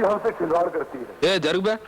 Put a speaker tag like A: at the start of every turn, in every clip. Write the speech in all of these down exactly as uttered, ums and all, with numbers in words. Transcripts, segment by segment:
A: हमसे खिलवाड़ करती है।
B: ए जरूर बे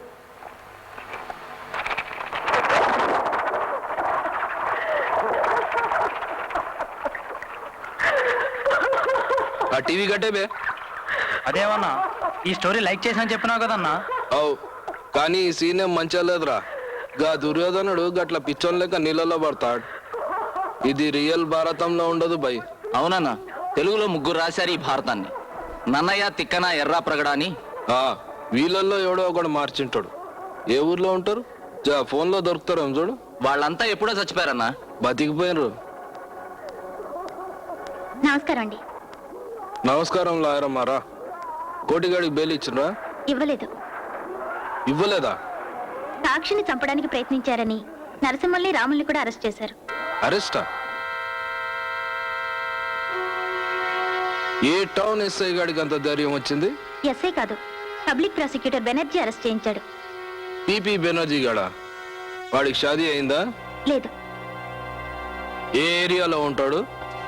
B: ఆ టీవీ కట్టే బే.
C: అదేమన్నా ఈ స్టోరీ లైక్ చేసాను చెప్పినావు కదన్నా.
B: అవు కానీ ఈ సీన్ ఏం మంచిగా లేదురా. గా దుర్యోధనుడు గట్ల పిచ్చోన్ లెక్క నీళ్ళలో పడతాడు. ఇది రియల్ భారతంలో ఉండదు బై.
D: అవునన్నా, తెలుగులో ముగ్గురు రాశారు ఈ భారతాన్ని. నన్నయ్య, తిక్కన, ఎర్రా ప్రగడ అని.
B: ఆ వీళ్ళల్లో ఎవడో ఒకడు మార్చింటాడు. ఏ ఊర్లో ఉంటారు? ఫోన్ లో దొరుకుతారు ఏం చూడు.
D: వాళ్ళంతా ఎప్పుడో చచ్చిపోయారన్నా.
B: బతికిపోయినరు.
E: నమస్కారం అండి.
B: నమస్కారం లాయరమ్మారా. కోటిగాడికి బెయిల్ ఇచ్చినరా?
E: ఇవ్వలేదు.
B: ఇవ్వలేదా?
E: సాక్షిని చంపడానికి ప్రయత్నించారని నరసింహల్ని, రాముల్ని కూడా అరెస్ట్ చేశారు.
B: అరెస్టా? ఏ టౌన్ ఎస్ఐ గాడికి అంత ధైర్యం వచ్చింది?
E: ఎస్ఐ కాదు, పబ్లిక్ ప్రాసిక్యూటర్ బెనర్జీ అరెస్ట్ చేయించాడు.
B: పిపి బెనర్జీ గాడా? వాడికి షాదీ అయిందా?
E: లేదు.
B: ఏ ఏరియాలో ఉంటాడు?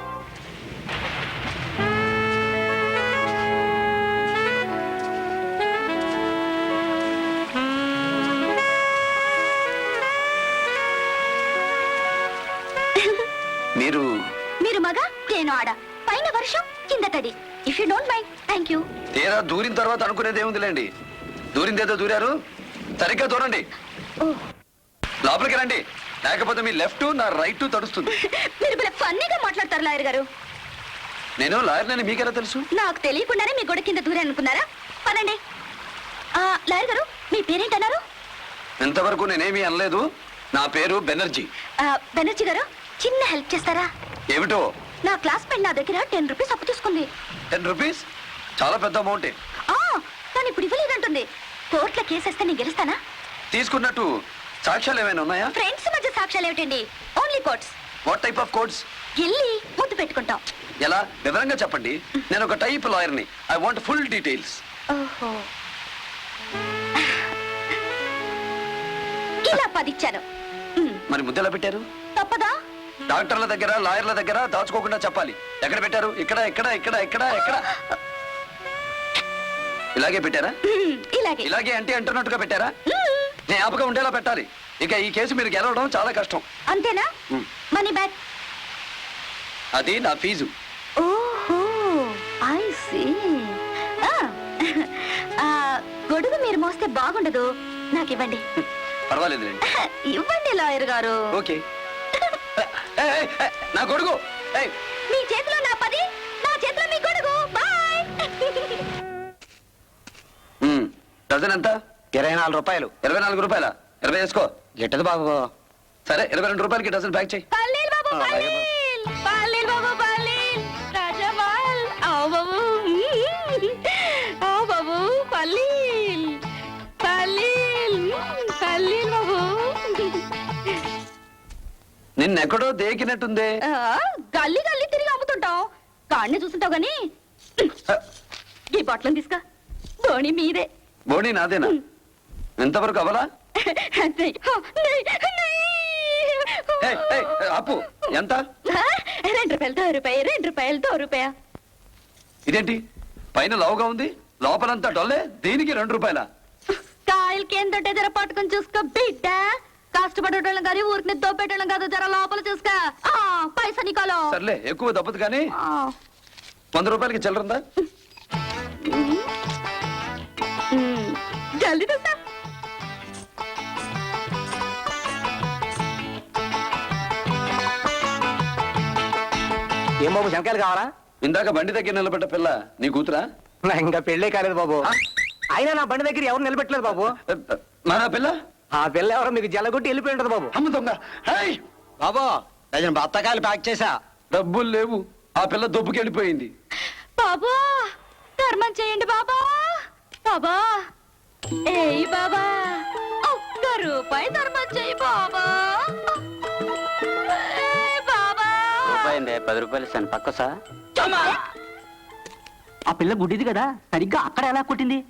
D: మీరు
E: మీరు మగ, నేను ఆడ. పైన వర్షం, కింద తడి. If you don't mind, thank you.
D: తీరా దూరిన తర్వాత అనుకునేది ఏముందిలేండి. దూరిందేదో దూరారు, సరిగ్గా దూరండి. లోపలికి రండి, లేకపోతే మీ లెఫ్ట్ నా రైట్ తడుస్తుంది.
E: మీరు భలే ఫన్నీగా మాట్లాడతారు లాయర్ గారు.
D: నేను లాయర్నని మీకెలా తెలుసు?
E: నాకు తెలియకుండానే మీ గొడవ కింద దూరే అనుకున్నారా? పదండి. లాయర్ గారు, మీ పేరేంటన్నారు?
D: ఇంతవరకు నేనేమీ అనలేదు. నా పేరు బెనర్జీ.
E: బెనర్జీ గారు, చిన్న హెల్ప్ చేస్తారా?
D: ఏమిటో?
E: నా క్లాస్మేట్ నా దగ్గర టెన్ రూపీస్ అప్పు తీసుకుంది.
D: టెన్ రూపీస్ చాలా పెద్ద అమౌంటే.
E: కానీ ఇప్పుడు ఇవ్వలేదంటుంది. కోర్టులో కేసేస్తే నేను గెలుస్తానా?
D: తీసుకున్నట్టు సాక్ష్యాలు ఏమైనా ఉన్నాయా?
E: ఫ్రెండ్స్ మధ్య సాక్ష్యాలు ఏమిటండి? Only courts.
D: What type of courts?
E: వెళ్ళి ముద్దు పెట్టుకుంటాం.
D: ఎలా? వివరంగా చెప్పండి. నేను ఒక టైప్ లాయర్ని. I want full details.
E: ఓహో, ఇలా పదిచ్చాను.
D: మరి ముద్దు ఎలా పెట్టారు?
E: తప్పదా?
D: డాక్టర్ల దగ్గర, లాయర్ల దగ్గర దాచుకోకుండా చెప్పాలి. ఎక్కడ పెట్టారు? ఇక్కడ, ఇక్కడ, ఇక్కడ, ఇక్కడ, ఎక్కడ? ఇలాగే పెట్టారా?
E: ఇలాగే.
D: ఇలాగే అంటే అంటున్నట్టుగా పెట్టారా? జ్ఞాపకం ఉండేలా పెట్టాలి. ఇక ఈ కేసు మీరు గెలవడం చాలా కష్టం.
E: అంతేనా? Money back.
D: అది నా ఫీజు.
E: ఓహో, ఐ సీ. గొడుగు మీరు మోస్తే బాగుండదు, నాకు ఇవ్వండి.
D: పర్వాలేదు,
E: ఇవ్వండి లాయర్ గారు.
D: ఓకే. నా గొడుగు
E: మీ చేతిలో నా పది, నా చేతిలో మీ గొడుగు. బాయ్.
D: డజన్ ఎంత?
C: ఇరవై నాలుగు రూపాయలు.
D: ఇరవై నాలుగు రూపాయల? ఇరవై వేసుకో.
C: గిట్టదు బాబు.
D: సరే, ఇరవై రెండు రూపాయలకి డజన్ ప్యాక్ చేయి.
E: పల్లీల్ బాబు, పల్లీల్. పల్లీల్ బాబు, పల్లీల్. రాజమాల్. ఆవు బాబు. ఆవు బాబు, పల్లీల్. పల్లీల్. పల్లీల్ బాబు.
D: నిన్నెక్కడో దేకినట్టుందే.
E: గల్లీ గల్లీ తిరిగి అమ్ముతుంటాం. కాడిని చూస్తుంటావు గాని ఈ బట్టలను తీసుకా. బోణి మీదే.
D: బోణి నాదేనా? ఎంతవరకు అవలా? అప్పు ఎంత?
E: రెండు రూపాయలు, దో రూపాయి. రెండు రూపాయలు, దో రూపాయ.
D: ఇదేంటి పైన లావుగా ఉంది, లోపలంతా డొల్లే? దీనికి రెండు రూపాయల?
E: కాయలకి ఏం తొట్టే జర పట్టుకుని చూసుకో బిడ్డ. కష్టపడేటోళ్ళం కానీ ఊరికి దోపెట్టడం కాదు. జర లోపల చూసుకో. పైసా నీకోలో.
D: సర్లే, ఎక్కువ దప్పదు కానీ వంద రూపాయలకి చిల్లరుందా?
E: జల్దీ చూస్తా.
C: ఏం బాబు, శంకాయలు కావాలా?
D: ఇందాక బండి దగ్గర నిలబడ్డ పిల్ల నీ కూతురా?
C: ఇంకా పెళ్ళే కాలేదు బాబు. అయినా నా బండి దగ్గర ఎవరు నిలబెట్టలేదు బాబు.
D: మన పిల్ల?
C: ఆ పిల్ల ఎవరో మీకు జల్లగొట్టి వెళ్ళిపోయి ఉంటది బాబు.
D: అమ్మ దొంగ.
C: బాబు, డజన్ బత్తకాయలు ప్యాక్ చేసా.
D: డబ్బులు లేవు. ఆ పిల్ల దొబ్బుకి వెళ్ళిపోయింది.
E: బాబా, ధర్మం చేయండి బాబా. బాబా, ఏయ్ బాబా, ఒక్క రూపాయి ధర్మం చేయి బాబా. బాబా,
C: పది రూపాయలు ఇస్తాను. పక్క సార్. ఆ పిల్ల గుడ్డిది కదా, సరిగ్గా అక్కడ ఎలా కొట్టింది?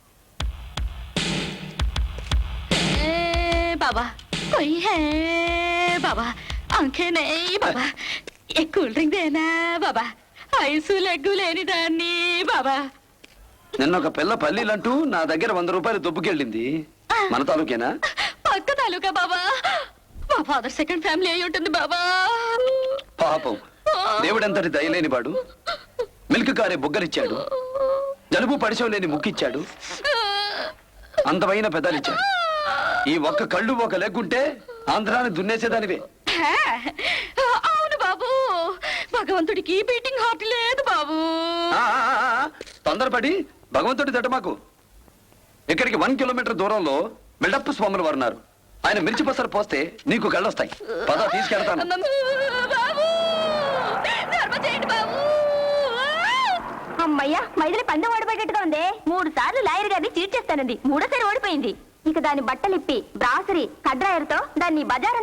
E: बाबा कोई है बाबा, आंखें नहीं बाबा, एक कूल ड्रिंक देना बाबा, ఐసు లెగ్గు లేని దాన్ని బాబా.
D: నిన్న ఒక పిల్ల పల్లీలంటూ నా దగ్గర వంద రూపాయలు దుబ్బుకెళ్ళింది. మన తాలూకేనా?
E: పక్క తాలూకా బాబా. మా ఫాదర్ సెకండ్ ఫ్యామిలీ అయి ఉంటుంది బాబా.
D: పాపం, దేవుడంతటి దయలేని వాడు మిల్క్ కారే బుగ్గలిచ్చాడు, జలుబు పడిశం లేని ముక్కిచ్చాడు, అందమైన పెదాలిచ్చాడు. ఈ ఒక్క కళ్ళు ఒక లెగ్గుంటే ఆంధ్రాన్ని దున్నేసేదానివే.
E: హే, అవును బాబు, భగవంతుడికి బీటింగ్ హార్ట్ లేదు బాబు.
D: ఆ, ఆ, ఆ, తొందరపడి భగవంతుడి దట మాకు. ఇక్కడికి వన్ కిలోమీటర్ దూరంలో బిల్డప్ స్వాములు వారు ఉన్నారు. ఆయన మిర్చి పసరు పోస్తే నీకు కళ్ళొస్తాయి. పద తీసుకెళ్తాను.
E: బాబు, ధర్మ చేయండి బాబు.
A: అమ్మయ్యా, మైదిలి పందెం ఓడిపోయేట్టుగా ఉంది. మూడు సార్లు లాయర్ గారిని చీట్ చేస్తానంది, మూడోసారి ఓడిపోయింది. ఇక దాని బట్టలిప్పి బ్రాసరీ కడ్రాయర్తో దాన్ని బజార్